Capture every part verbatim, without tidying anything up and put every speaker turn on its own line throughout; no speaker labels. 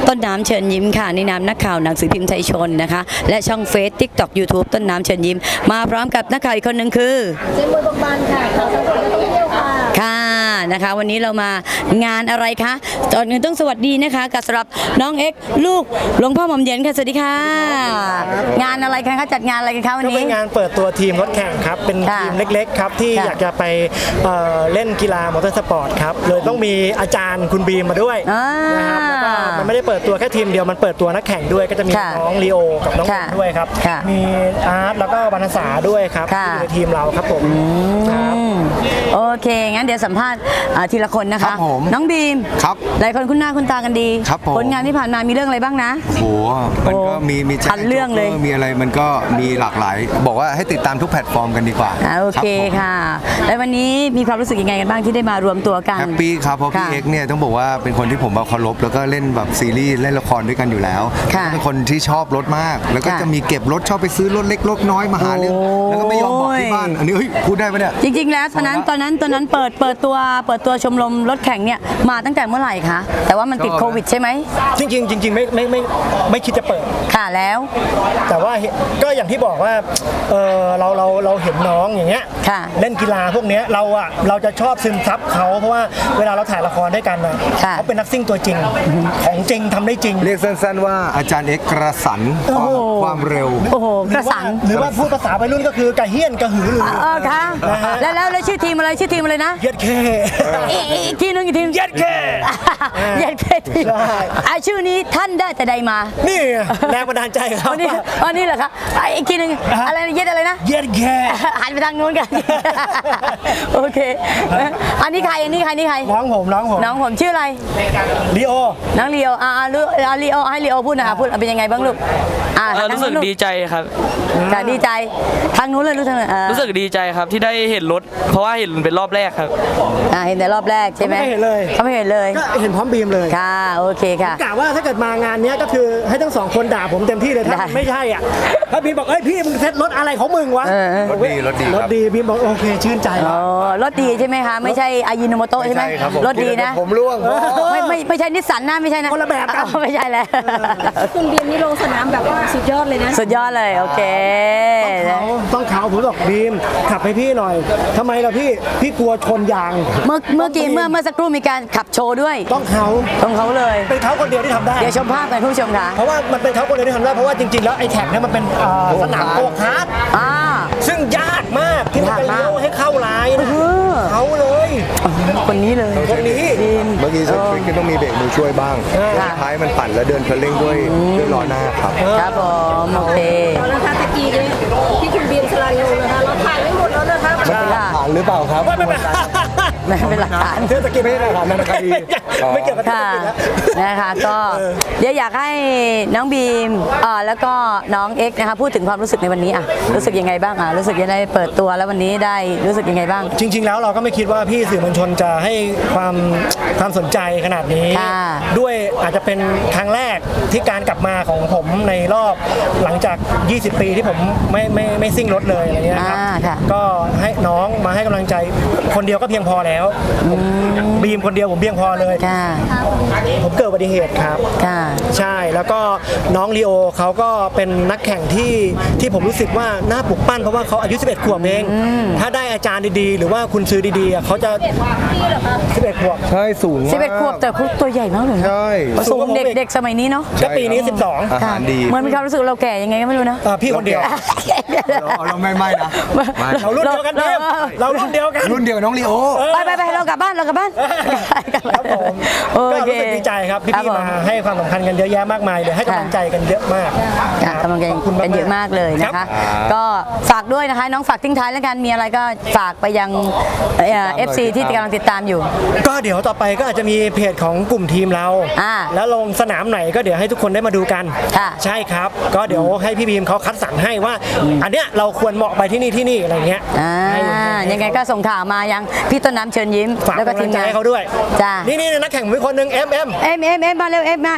ต้นน้ำเชิญยิ้มค่ะในนามนักข่าวหนังสือพิมพ์ไทยชนนะคะและช่องเฟซติ๊กต็อกยูทูบต้นน้ำเชิญยิ้มมาพร้อมกับนักข่าวอีกคนหนึ่งคือ
เจมส์บกบานค่ะข่าวสังคมและท่องเที่ยวค่ะ
ค่ะนะคะวันนี้เรามางานอะไรคะตอนนี้ต้องสวัสดีนะคะกับสำหรับน้องเอ็กลูกหลวงพ่อหม่อมเย็นค่ะสวัสดีค่ะงานอะไรคะจัดงานอะไรกันคะวันนี้
ก็เป็นงานเปิดตัวทีมรถแข่งครับเป็นทีมเล็กๆครับที่อยากจะไปเอ่อเล่นกีฬามอเตอร์สปอร์ตครับเลยต้องมีอาจารย์คุณบีมมาด้วยนะครับแล้วก็มันไม่ได้เปิดตัวแค่ทีมเดียวมันเปิดตัวนักแข่งด้วยก็จะมีน้องลีโอกับน้องเอ็มด้วยครับมีอาร์ตแล้วก็วรรณสาด้วยครับที่อยู่ในทีมเราครับผม
โอเคงั้นเดี๋ยวสัมภาษณ์ทีละคนนะคะน้องบีม
ครับ
หลายคนคุ้นหน้าคุ้นตากันดีผลงานที่ผ่านมามีเรื่องอะไรบ้างนะ
โอ้มันก็มีมี
ชันเรื่องเลย
มีอะไรมันก็มีหลากหลายบอกว่าให้ติดตามทุกแพลตฟอร์มกันดีกว่า
โอเคค่ะแล้ววันนี้มีความรู้สึกยังไงกันบ้างที่ได้มารวมตัวกัน
แฮปปี้ครับเพราะพี่เอ็กเนี่ยต้องบอกว่าเป็นคนที่ผมเคารพแล้วก็เล่นแบบซีรีส์เล่นละครด้วยกันอยู่แล้วเป็นคนที่ชอบรถมากแล้วก็จะมีเก็บรถชอบไปซื้อรถเล็กรถน้อยมาหาเรื่องแล้วก็ไม่ยอมบอกที่บ้านอันนี้เฮ้ยพูดได้ปะเนี่ย
จริงๆแล้วตอนนั้นตอนนั้นตอนนั้นเปิดเปิดตัวเปิดตัวชมรมรถแข่งเนี่ยมาตั้งแต่เมื่อไหร่คะแต่ว่ามันติดโควิดใช่ไหม
จริงๆจริงๆไม่ไม่ไม่ไม่คิดจะเปิด
ค่ะแล้ว
แต่ว่าก็อย่างที่บอกว่าเออเราเราเราเห็นน้องอย่างเงี้ยเล่นกีฬาพวกเนี้ยเราอ่ะเราจะชอบซึมซับเขาเพราะว่าเวลาเราถ่ายละครด้วยกันนะเขาเป็นนักซิ่งตัวจริงของจริงทำได้จริง
เรียกสั้นๆว่าอาจารย์เอ็กกระสันความเร็ว
โอ้โหกระสัน
หรือว่าพูดภาษาวัยรุ่นก็คือกระเฮี้ยนกระหือรือ
เออค่ะแล้วแล้วชื่อทีมอะไรชื่อทีมอะไรนะ
เย็ดแค่
อีกทีนึงอีกที
เย็ดแค่
เย็ดแค่ทีอ่ะชื่อนี้ท่านได้แต่ใดมา
นี่แรงบันดาลใจครับ
อันนี้อันนี้เหรอคะอีกทีนึงอะไรเย็ดอะไรนะ
เย็ดแค่
หันไปทางนู้นกันโอเคอันนี้ใครอันนี้ใครนี่ใคร
น้องผมน้องผม
น้องผมชื่ออะไร
ลีโอ
น้องลีโออ่าลูกลีโอให้ลีโอพูดนะคะพูดเป็นยังไงบ้างลูก
อ่ารู้สึกดีใจครับ
ค่ะดีใจทางนู้นเลยรู้สึก
รู้สึกดีใจครับที่ได้เห็นรถเพราะว่าเห็นเป็นรอบแรกครับ
อ่าเห็นแต่รอบแรกใช่ไหม
ไม่เห็นเลย
เขาไม่เห็นเลย
ก็เห็นพร้อมบีมเลย
ค่ะโอเคค่ะ
กะว่าถ้าเกิดมางานนี้ก็คือให้ทั้งสองคนด่าผมเต็มที่เลยถ้าไม่ใช่อ่ะถ้าบีมบอกเอ้ยพี่มึงเซ็ตรถอะไรของมึงวะ
รถดีรถดี
รถดีบีมบอกโอเคชื่นใจ
อ๋อรถดีใช่ไหมคะไม่ใช่อายิโนโมโตะใช่ไหมรถดีนะ
ผมร่วง
ไม่ไม่ไม่ใช่นิสสันนะไม่ใช่นะ
คนละแบบกัน
ไม่ใช่แล้ว
คุณบีมนี่ลงสนามแบบสุดยอดเลยนะ
สุดยอดเลยโอเค
ต้องเขาผมบอกบีมขับให้พี่หน่อยทำไมล่ะพี่พี่กลัวชนยาง
เมื่อเมื่อกี้เมื่อเมื่อสักครู่มีการขับโชว์ด้วย
ต้องเขา
ต้องเขาเลย
เป็นเขาคนเดียวที่ทำได้
เดี๋ยวชมภาพกันผู้ชมค่ะ
เพราะว่ามันเป็นเขาคนเดียวที่ทำได้เพราะว่าจริงๆแล้วไอ้แท็กเนี่ยมันเป็นสนามโกคาร์ทซึ่งยากมากที่จะเลี้ยวให้เข้าลายนะเขาเลย
คนนี้เลย
คนนี้
เมื่อกี้ฉันคิดต้องมีเบรกมือช่วยบ้างท้ายมันปั่นแล้วเดินเพลิงด้วยด้วยล้อหน้าครับ
ครับผมโอเค
แล้วค่ะตะกี้เนี่ยที่คุณบีมสลันลงนะคะเราถ่ายไม่หมดแล้วนะคะ
มันเป็นหลักฐานหรือเปล่าครับ
ไม่เป็น
ไม่เป็นหลักฐาน
เทศกิจไม่ใช่หลักฐานนันคดีไม่เกี่ยวกับเทศกิจแล้ว
นะคะก็เดี๋ยวอยากให้น้องบีมอ่าแล้วก็น้องเอ็กนะคะพูดถึงความรู้สึกในวันนี้อ่ะรู้สึกยังไงบ้างอ่ะรู้สึกยังไงเปิดตัวแล้ววันนี้ได้รู้สึกยังไงบ้าง
จริงๆแล้วเราก็ไม่คิดว่าพี่สื่อมวลชนจะให้ความความสนใจขนาดนี้ด้วยอาจจะเป็นครั้งแรกที่การกลับมาของผมในรอบหลังจากยี่สิบปีที่ผมไม่ไม่ไม่ซิ่งรถเลยอะไรเงี้ยครับก็ให้น้องมาให้กำลังใจคนเดียวก็เพียงพอแล้วบีมคนเดียวผมเพียงพอเลยผมเกิดอุบัติเหตุครับใช่แล้วก็น้องลีโอเขาก็เป็นนักแข่งที่ที่ผมรู้สึกว่าน่าปลุกปั้นเพราะว่าเขาอายุสิบเอ็ดขวบเองถ้าได้อาจารย์ดีๆหรือว่าคุณซื้อดีๆเขาจะสิบเอ็ดขวบ
ใช่สูง
สิบเอ็ดขวบแต่ตัวใหญ่มากเลย
ใช่
สูงเด็กเด็กสมัยนี้เนาะ
ก็ปีนี้สิบสอง
อาหารดี
เหมือนมีความรู้สึกเราแก่ยังไงก็ไม่รู้นะ
พี่คนเดียว
เราไม่ไม่นะ
เรารุ่นเดียวกันเองเรารุ่นเดียวกัน
รุ่นเดียวน้องลีโอ
ไปไปไปเรากลับบ้านเรากลับบ้าน
ครับผมก็รู้สึกดีใจครับพี่ๆมาให้ความสำคัญกันเยอะแยะมากมายเลยให้กำลังใจกันเยอะมาก
กำลังใจกันเยอะมากเลยนะคะก็ฝากด้วยนะคะน้องฝากทิ้งท้ายแล้วกันมีอะไรก็ฝากไปยังเอฟซีที่กำลังติดตามอยู่
ก็เดี๋ยวต่อไปก็อาจจะมีเพจของกลุ่มทีมเราแล้วลงสนามไหนก็เดี๋ยวให้ทุกคนได้มาดูกันใช่ครับก็เดี๋ยวให้พี่บีมเขาคัดสรรให้ว่าอันเนี้ยเราควรเหมาะไปที่นี่ที่นี่อะไรเงี้ย
ยังไงก็ส่งข่าวมายังพี่ต้นน้ำเชิญยิ้ม
แล้วก็ทีมงานให้เขาด้วย
จ้า
นี่นี่นักแข่งผมเป็นคนหนึ่งเอ็มเอ็ม
เอ็มเอ็มเอ็มมาเร็วเอ็มมาเอ็มมาเอ็ม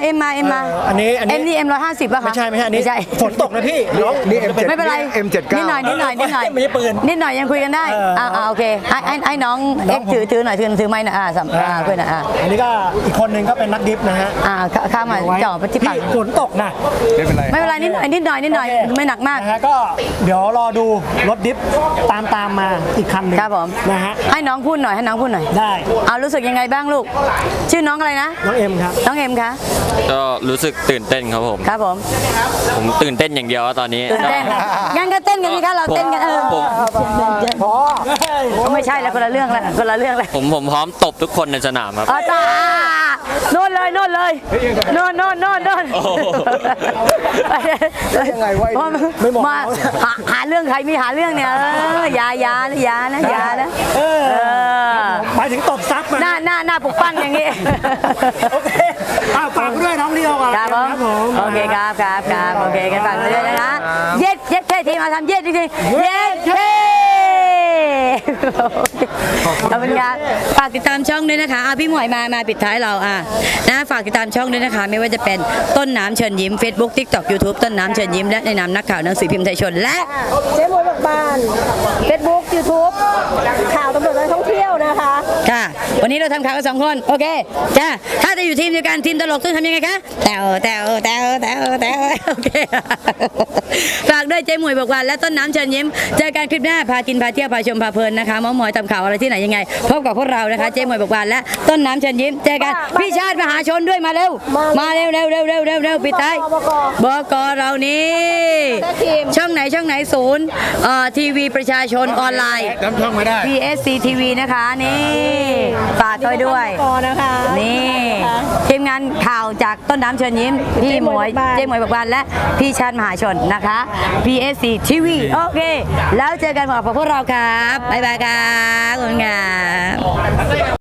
มา
เอออันนี้อันนี้
เอ็มนี่เอ็มร้อยห้าสิบป่ะคะ
ไม่ใช่ไม่ใช่อันนี้
ไม่ใช่
ฝนตกนะพี่น้อง
นี่ เอ็ม เจ็ด
ไม่เป็นไร
เอ็มเจ็ดเก้า
นิดหน่อยนิดหน่อยนิดหน่อย
ไม่ใช่ปืน
นิดหน่อยยังคุยกันได้
เอออ่
อ่าอ่าโอเคให้ให้ให้น้อง
น้
เอ็
อง
ก
ผม
ถือถือหน่อยถือถือไม้หน่อยอ่าสัมอ่าคุยหน่อยอ่า
อันนี้ก็อีกคนหนึ่งก็เป็นนักดิฟนะฮะ
อ่าเข้าเข้ามาจ่อไปที่ปาก
พี่ฝนตกนะ
ไม่เป็นไร
ไม่เป็นไรนิดหน่อยนิดหน่อยนิดหน่อย
โอเค
ไม่หนักมาก
นะฮะก็เดี๋ยวรอดูรถดิฟตามตามมาอีกคันหนึ่ง
ครับผม
นะฮะ
ให้น้องพูดหน่อยให้น้องพูดหน่อย
ได้
เอารู้สึกยังไงบ้างลูก ชื่อน้องอะไรนะ
น้องเอ็มครับ
น้องเอ็มคะ
ก็รู้สึกตื่นเต้นครับผม
ครับผม
ผมตื่นเต้นอย่างเดียวตอนนี้
ตื่นเต้นงั้นก็เต้นกันสิคะเราเต้นกันเออ
ผม
พอ
ไม่ใช่แล้วคนละเรื่องแล้วคนละเรื่องแล้ว
ผมผมพร้อมตบทุกคนในสนามครับ
อ๋อตาโน่นเลยโน่นเลยโน่นโน่นโน่นโน่น
โอ้โห
ยังไงวะ
ไม่บอก
มาหาหาเรื่องใครมีหาเรื่องเนี่ยเอออย่าอย่านะอย่านะอย่านะ
เออ
เออ
หมายถึงตบซับมา
หน้าหน้าหน้าปลุกปั้นอย่างงี้
โอเคอ่ะฝากด้วยน้องเดียวก่อน
ครับผม
ผม
โอเคครับครับครับโอเคกันฝากด้วยนะคะเย็ดเย็ดแค่ทีมาทำเย็ดจริงๆเย็ดเท่ขอบคุณครับฝากติดตามช่องด้วยนะคะอ่ะพี่หมวยมามาปิดท้ายเราอ่ะนะฝากติดตามช่องด้วยนะคะ ไม่ว่าจะเป็นต้นน้ำเชิญยิ้ม Facebook TikTok YouTube ต้นน้ำเชิญยิ้มและในนามนักข่าวหนังสือพิมพ์ไทยชนและ
เจ๊มวยบอกบานเฟซบุ๊กยูทูบข่าวตำรวจและท่องเที่ยวนะคะ
ค่ะ วันนี้เราทำข่าวกันสองคน โอเค จ้า ถ้าจะอยู่ทีมเดียวกันทีมตลกต้องทำยังไงคะแตวแตวแตวแตวแตวโอเค ฝากด้วยเจ๊หมวยบอกวันและต้นน้ำเชิญยิ้ม เจอกันคลิปหน้า พากิน พาเที่ยว พาชม พาเพลินนะคะเมอมอยทำข่าวอะไรที่ไหนยังไง พบกับพวกเรานะคะ เจ๊หมวยบอกวันและต้นน้ำเชิญยิ้ม เจอกัน พี่ชาติมหาชนด้วยมาเร็ว มาเร็วเร็วเร็วเร็วเร็วเร็วปิดท้ายบกเรานี่ ช่องไหนช่องไหนศูนย์เอ่อทีวีประชาชนออนไลน์
จำช่องไม่ได้
พี เอส ซี ที วี นะคะนี่ฝากด้วยด้วย
กอนะคะ
นี่ทีมงานข่าวจากต้นน้ำเชิญยิ้ม พี่หมวยเจ๊หมวยบักบานและพี่ชาญมหาชนนะคะ พี เอส ซี ที วี โอเค แล้วเจอกันกับพวกเราครับ บ๊ายบายครับขอบคุณครับ